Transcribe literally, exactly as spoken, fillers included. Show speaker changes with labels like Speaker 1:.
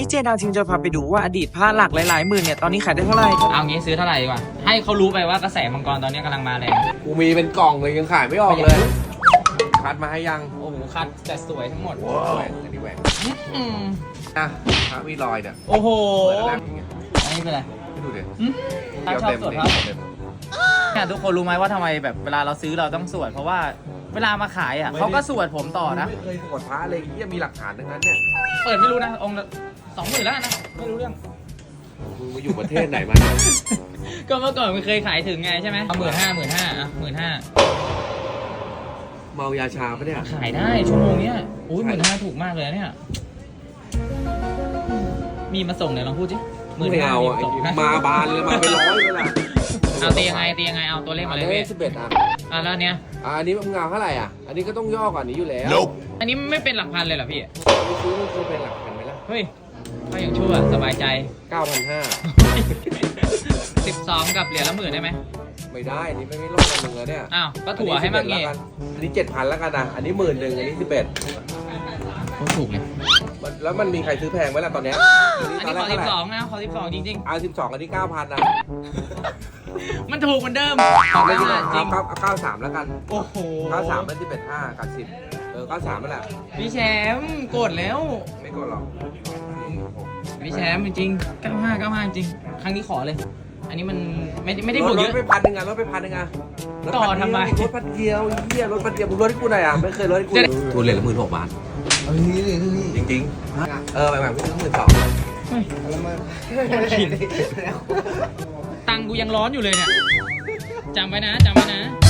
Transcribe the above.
Speaker 1: นี้เจดาวจริงจะพาไปดูว่าอดีตผ้าหลักหลายๆหมื่นเนี่ยตอนนี้ขายได้เท่าไหร่
Speaker 2: เอางี้ซื้อเท่าไหร่ดีกว่าให้เขารู้ไปว่ากระแสมังกรตอนนี้กำลังมาแรง
Speaker 3: กูมีเป็นกล่องเลยยังขายไม่ออกเลยคัดมาให้ยัง
Speaker 2: โอ้โหคัดแต่สวยทั้งหมด
Speaker 3: แหวนอันนี้แหวน
Speaker 2: อืม
Speaker 3: อ่ะพระวีลอยเนี่ย
Speaker 2: โอ้โห
Speaker 3: เปิดแล้วอย่างเงี้ย
Speaker 2: อันนี้เป็นไร
Speaker 3: ไม่ดูดิ
Speaker 2: ถ้าชอบสวดพระเนี่ยทุกคนรู้ไหมว่าทำไมแบบเวลาเราซื้อเราต้องสวดเพราะว่าเวลามาขายอ่ะเขาก็สวดผมต่อนะ
Speaker 3: ไม่เคยกดพระเลยที่มีหลักฐานทั้งนั้นเนี่ย
Speaker 2: เปิดไม่รู้นะองค์สองหมื่นแล้วนะไม่รู้เรื่อง
Speaker 3: มึงมาอยู่ประเทศไหนมาเนี่ย
Speaker 2: ก็เมื่อก่อนมันเคยขายถึงไงใช่ไหมเอาหมื่นห้าหมื่นห้าอ่ะหมื่นห้า
Speaker 3: เมายาชาปะเนี่ย
Speaker 2: ขายได้ชั่วโมงเนี้ยอุ้ยหมื่นห้าถูกมากเลยเนี่ยมีมาส่งเนี่ยลองพูดสิ
Speaker 3: ไม่เอาอ่ะมาบานเลยมาไปร้อยเลยล่ะ
Speaker 2: เอาตียังไงตียังไงเอาตัวเลขมาเลยพี่
Speaker 3: สิบเอ็ดอ่ะ
Speaker 2: อ่ะแล้วเนี้ย
Speaker 3: อ่ะอันนี้มึงเอาเท่าไหร่อ่ะอันนี้ก็ต้องย่อกว่านี้อยู่แล้ว
Speaker 2: อันนี้ไม่เป็นหลักพันเลยเหรอพี่
Speaker 3: ไม่ซื้อไม่ซื้อเป็นหลักพันไหมล่ะ
Speaker 2: เฮ้ยก็อย่างชั่วสบายใจ
Speaker 3: เก้าพันห้า
Speaker 2: สิบสองกับเหรียญละหมื่นได้ไหม
Speaker 3: ไม่ได้อันนี้ไม่ไม่ลดกันหนึ่งแล้วเนี่ย
Speaker 2: อ้าวก็ถั่วให้มากเงี้ย
Speaker 3: อันนี้เจ็ดพันแล้วกันนะอันนี้หมื่นหนึ่งอันนี้สิบเอ็ด
Speaker 2: โคตรถูกเลย
Speaker 3: แล้วมันมีใครซื้อแพงไหมล่ะตอนเนี้ย
Speaker 2: อันนี้ขอสิบสองนะขอสิบสองจริงๆ
Speaker 3: เอาสิบสองอันนี้เก้าพันนะ
Speaker 2: มันถูกเหมือนเดิม
Speaker 3: จริงเอาเก้าสามแล้วกัน
Speaker 2: โอ้โห
Speaker 3: เก้าสามเป็นสิบเอ็ดห้ากับสิบเออเก้าสามนั่นแหละ
Speaker 2: พี่แชมป์โกรธแล้ว
Speaker 3: ไม่โกรธหรอก
Speaker 2: พี่แชมป์จริงๆเก้าห้าเก้าห้าจริงครั้งนี้ขอเลยอันนี้มันไม่ไม่ได้บวกเยอะ
Speaker 3: รถไปพันหนึ่งอ่ะรถไปพันหนึ่งอ่ะ
Speaker 2: ต่อทำไม
Speaker 3: รถพันเดียวเฮียรถพันเดียวมึงรถให้กูหน่อยอ่ะไม่เคยรถให้กูทุนเหรียญละหมื่นหกบาทจริงจริงเออแบบแบบหมื่นสอง
Speaker 2: ตังกูยังร้อนอยู่เลยเนี่ยจำไว้นะจำไว้นะ